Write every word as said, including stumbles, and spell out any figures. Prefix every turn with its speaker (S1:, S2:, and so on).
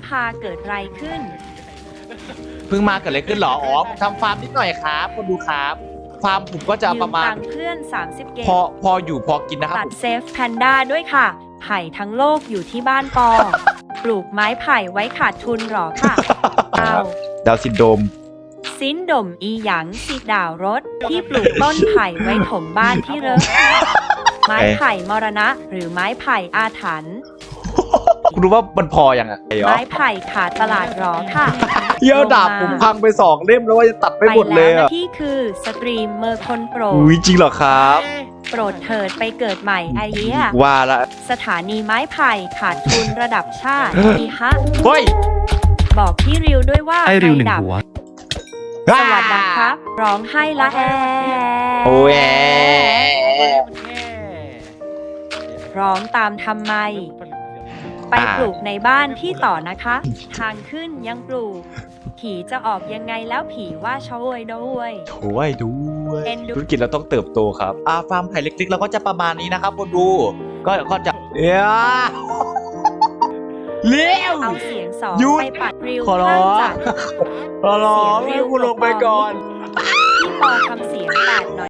S1: พาเกิดอะไรขึ้น
S2: เพิ่งมาเกิดอะไรขึ้นเหรออ๋อผมทำฟาร์มนิดหน่อยครับคนดูครับฟาร์มผมก็จะ
S1: ยื
S2: ประ
S1: ม
S2: มาณ
S1: ตังค์เพื่อนสามสิบเกต
S2: พอพออยู่พอกินนะครับ
S1: ตั
S2: ผ
S1: ด
S2: ม
S1: เซฟแพนด้าด้วยค่ะ ไผ่ทั้งโลกอยู่ที่บ้านปอ ปลูกไม้ไผ่ไว้ขาดทุนหรอค่ะเอา
S2: ดาวน์ซินโดรม
S1: ซินดมอีหยังสิดาวรถที่ปลูกต้นไผ่ไว้ถมบ้านที่เริกไม้ไผ่มรณะหรือไม้ไผ่อาถรรพ์
S2: คุณรู้ว่ามันพออย่างไงเหรอ
S1: ไม้ไผ่ขาดตลาดหรอค่ะ
S2: เยี่ยวดาบผมพังไปสองเล่มแล้วว่าจะตัดไม่หมดเลย
S1: ไปแล้ว
S2: อ่ะ
S1: นะที่คือสตรีมเมอร์คนโปรด
S2: อุ้ยจริงเหรอครับ
S1: โปรดเถิดไปเกิดใหม่ไอเดีย
S2: ว่าละ
S1: สถานีไม้ไผ่ขาดทุนระดับชาติอีฮะ
S2: เฮ้ย
S1: บอกพี่ริวด้วยว่า
S3: ไอ้ริวหนึ่ง
S1: ดับ
S3: หัว
S1: สวัสดีครับ ร้องให้ละแอ
S2: โอ้ย
S1: ร้องตามทำไม ไปปลูกในบ้านที่ต่อนะคะ ทางขึ้นยังปลูก ผีจะออกยังไงแล้วผีว่าช่วยด้วย
S2: ช่วยด้วย
S1: เอ็นดู
S2: ธุรกิจเราต้องเติบโตครับอ่าฟาร์มไผ่เล็กๆเราก็จะประมาณนี้นะครับคนดู ก็ก็จะเอ้ยเร็ว
S1: เอาเสียงสอง
S2: หยุด
S1: ไปปัดริว
S2: ขอร้อง
S1: ข้างจัด
S2: รอรอให้กูลงไปก่อน
S1: พี่ปอทำเสียงแปดหน่อย